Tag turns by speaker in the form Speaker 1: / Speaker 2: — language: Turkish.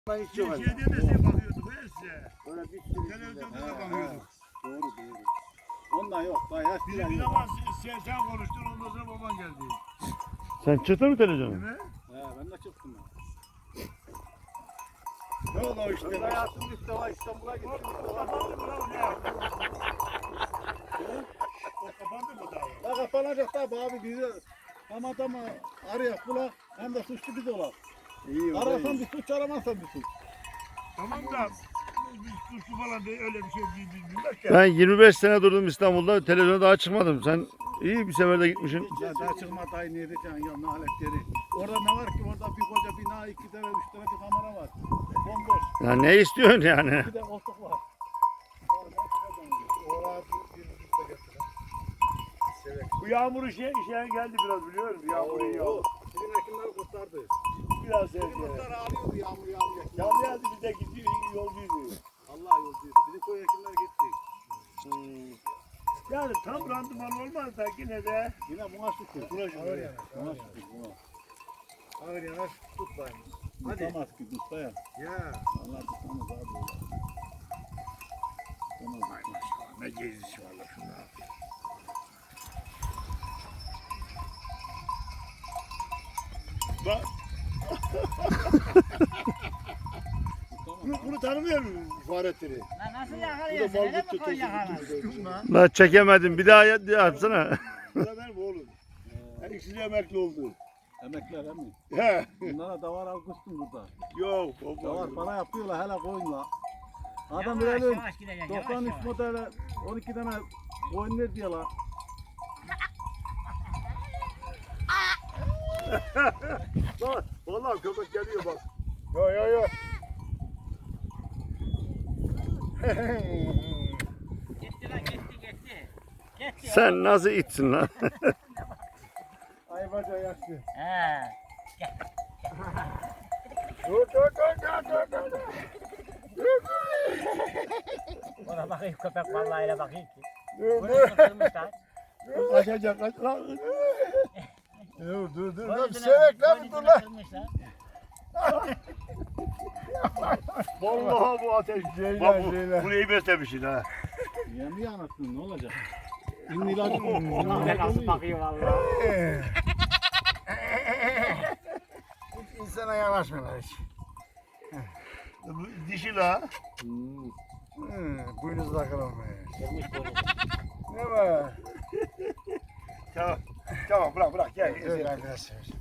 Speaker 1: Ben hiç yok.
Speaker 2: Şeyde de size bakıyorduk he size.
Speaker 1: Öyle bir sürü.
Speaker 2: Televizyonda da bakıyorduk.
Speaker 1: Doğru. Ondan yok. Daha yaş
Speaker 2: Bir
Speaker 1: falan yok.
Speaker 2: zaman sen konuştun ondan sonra baban geldi.
Speaker 3: Sen çıktın mı televizyona?
Speaker 2: Değil mi?
Speaker 1: Ben de çıktım ya.
Speaker 2: Ne oldu o işte?
Speaker 1: Ben hayatım işte var İstanbul'a gittim.
Speaker 2: O kapandı mı lan ne? O kapandı mı daha?
Speaker 1: Ya kapanacak tabi abi bizi Ramazan'ı arayak bulak hem de suçlu biz olak.
Speaker 4: İyi,
Speaker 1: Ararsan bir suç aramazsan bir suç.
Speaker 2: Tamam da biz suçlu falan değil öyle bir şey bilmez ki.
Speaker 3: Ben 25 sene durdum İstanbul'da. Televizyona daha çıkmadım. Sen iyi bir seferde gitmişsin.
Speaker 1: Ya daha çıkma dayı ne edeceksin ya naletleri. Orada ne var ki orada bir koca bina 2 tane 3 tane bir kamera var. Bomboş.
Speaker 3: Ya ne istiyorsun yani?
Speaker 1: Bir de koltuk var.
Speaker 2: Bu yağmuru şey geldi biraz biliyor musun? Yağmuru yağdı.
Speaker 1: Bizim hekimler kurtardı.
Speaker 2: Biraz
Speaker 1: Bizim
Speaker 2: sevdi.
Speaker 1: kurtar ağlıyordu yağmur yağmur.
Speaker 2: Yağmur yağdı biz de gitti yolcuydu.
Speaker 1: Allah yolcuydu. Bizim köy hekimler gitti.
Speaker 2: Yani tam randıman olmaz da yine de.
Speaker 1: Yine buna şükür.
Speaker 2: Buna şükür.
Speaker 1: Buna şükür. Buna.
Speaker 4: Ağır yanaş tut bayım.
Speaker 1: Tutamaz ki usta ya.
Speaker 4: Ya.
Speaker 1: Allah tutamaz abi. Tutamaz.
Speaker 2: Ne gezisi var la şuna. Bak. Bunu tanımıyor musun Fahrettin'i?
Speaker 5: Lan nasıl
Speaker 2: Bu
Speaker 5: yakalıyorsun?
Speaker 2: da
Speaker 5: Öyle
Speaker 2: Malgut
Speaker 5: mi koy
Speaker 2: tutuyorsun.
Speaker 5: yakalar?
Speaker 3: La çekemedim. Bir daha yapsana.
Speaker 2: Bu da benim oğlum. Yani ikisi de emekli oldu.
Speaker 1: Emekler he mi?
Speaker 2: He.
Speaker 1: Bunlara davar almıştım burada.
Speaker 2: Yok.
Speaker 1: Davar para yapıyorlar hele koyunla. Adam
Speaker 5: Yavaş
Speaker 1: bilelim
Speaker 5: yavaş gideceksin.
Speaker 1: 93
Speaker 5: Yavaş yavaş.
Speaker 1: modele 12 tane koyun ver diyorlar.
Speaker 2: Bak. Vallahi köpek geliyor bak.
Speaker 4: Yo.
Speaker 5: Gitti lan gitti. Gitti.
Speaker 3: Sen nasıl itsin lan?
Speaker 4: Ay baca yaşlı.
Speaker 5: He.
Speaker 4: Dur.
Speaker 5: Ona bakayım köpek vallahi öyle bakayım ki.
Speaker 4: Dur.
Speaker 5: Bunu kırmışlar.
Speaker 2: Kaçacak kaç lan.
Speaker 4: Dur. Lan
Speaker 5: Boynuzunu-
Speaker 4: sevek lan dur
Speaker 5: boynuzunu
Speaker 4: lan.
Speaker 5: kırmışlar.
Speaker 2: Vallahi bu ateş. Bak bunu iyi beslemişsin ha.
Speaker 1: Yemiyor anasını ne olacak? İnilacı
Speaker 5: Ulan nasıl bakıyor vallahi.
Speaker 4: İnsana yanaşmıyorlar hiç.
Speaker 2: Bu dişi la.
Speaker 4: Boynuz takalım be.
Speaker 5: Kırmış boynuzu.
Speaker 4: Ne var?
Speaker 2: Tamam bırak gel.
Speaker 4: Evet arkadaşlar.